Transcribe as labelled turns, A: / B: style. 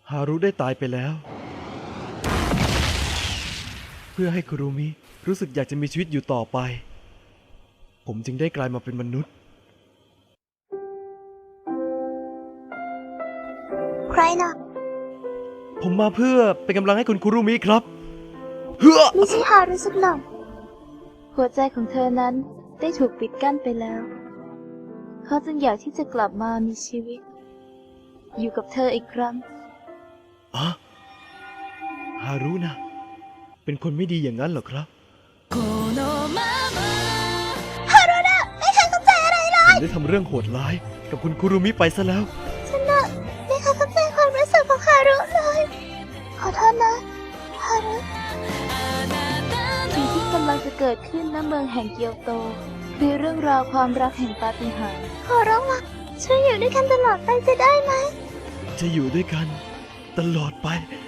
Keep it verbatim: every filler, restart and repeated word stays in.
A: ฮารุได้ตายไปแล้วเพื่อให้คุรุมิรู้สึกอยากจะมีชีวิตอยู่ต่อไปผมจึงได้กลายมาเป็นมนุษย์
B: ใครนะ
A: ผมมาเพื่อเป็นกำลังให้คุณคุรุมิครับเฮ้อ
B: ไม่ใช่ฮารุสักหน่อย
C: หัวใจของเธอนั้นได้ถูกปิดกั้นไปแล้วเขาจึงอยากที่จะกลับมามีชีวิตอยู่กับเธออีกครั้ง
A: อะฮารุนะเป็นคนไม่ดีอย่างนั้นเหรอครับ
B: ฮารุนะไม่เคยเข้าใจอะไรเลย
A: ผมได้ทำเรื่องโหดร้ายกับคุณคุรุมิไปซะแล้ว
B: ฉันน่ะไม่เคยเข้าใจความรู้สึกของฮารุเลยขอโทษนะฮารุ
C: สิ่งที่กำลังจะเกิดขึ้นณเมืองแห่งเกียวโตคือเรื่องราวความรักแห่งปาฏิหาริย์
B: ขอร้องละช่วยอยู่ด้วยกันตลอดไปจะได้ไหม
A: จะอยู่ด้วยกันตลอดไป